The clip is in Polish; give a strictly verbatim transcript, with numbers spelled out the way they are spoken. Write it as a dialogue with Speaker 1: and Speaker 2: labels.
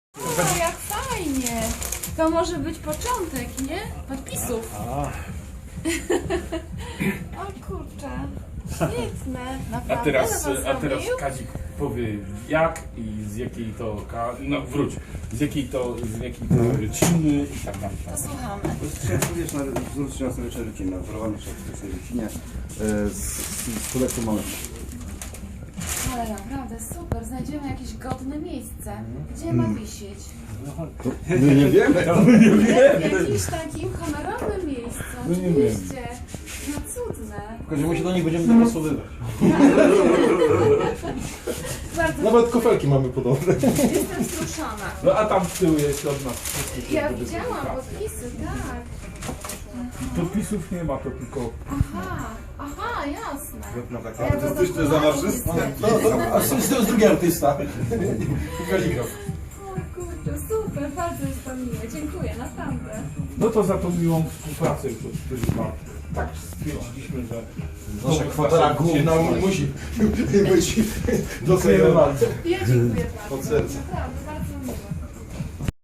Speaker 1: O, jak fajnie! To może być początek, nie? Podpisów. O kurczę, świetne, naprawdę.
Speaker 2: A teraz,
Speaker 1: Ale was
Speaker 2: a teraz
Speaker 1: zrobił?
Speaker 2: Kazik powie jak i z jakiej to, ka- no wróć, z jakiej to, z jakiej to rodziny i tak dalej.
Speaker 1: To słuchamy.
Speaker 3: Wiesz, na wzór na sobie rodziny, wzorowany w tej rodzinie z, z stuletu mamy.
Speaker 1: Ale naprawdę super, znajdziemy jakieś godne miejsce. Gdzie ma wisieć?
Speaker 3: My nie wiemy.
Speaker 1: W jakimś takim honorowym miejscu,
Speaker 2: No nie
Speaker 1: oczywiście. No cudne.
Speaker 3: W każdym razie do nich będziemy dopasowywać.
Speaker 1: Bardzo
Speaker 4: Nawet kufelki mamy podobne.
Speaker 1: jestem wzruszona.
Speaker 2: No a tam z tyłu jest od nas wszystkich.
Speaker 1: Ja
Speaker 2: żeby
Speaker 1: widziałam
Speaker 2: zrobić
Speaker 1: podpisy, tak.
Speaker 2: kasę. Podpisów nie ma, to tylko
Speaker 1: Aha, aha, jasne.
Speaker 3: No
Speaker 1: Ja to
Speaker 3: Artystyczne
Speaker 1: dokładnie
Speaker 3: zamarzystwo.
Speaker 1: widzę.
Speaker 3: A z tyłu drugi artysta. Kaligraf.
Speaker 1: O kurczę, super, bardzo jest to miłe, dziękuję, naprawdę.
Speaker 2: no to za tą miłą współpracę już od czterech lat. Tak stwierdziliśmy, że
Speaker 4: Nasza kwatera główna musi być
Speaker 2: doceniona.
Speaker 1: Ja dziękuję bardzo,
Speaker 4: Od serca.
Speaker 1: naprawdę, bardzo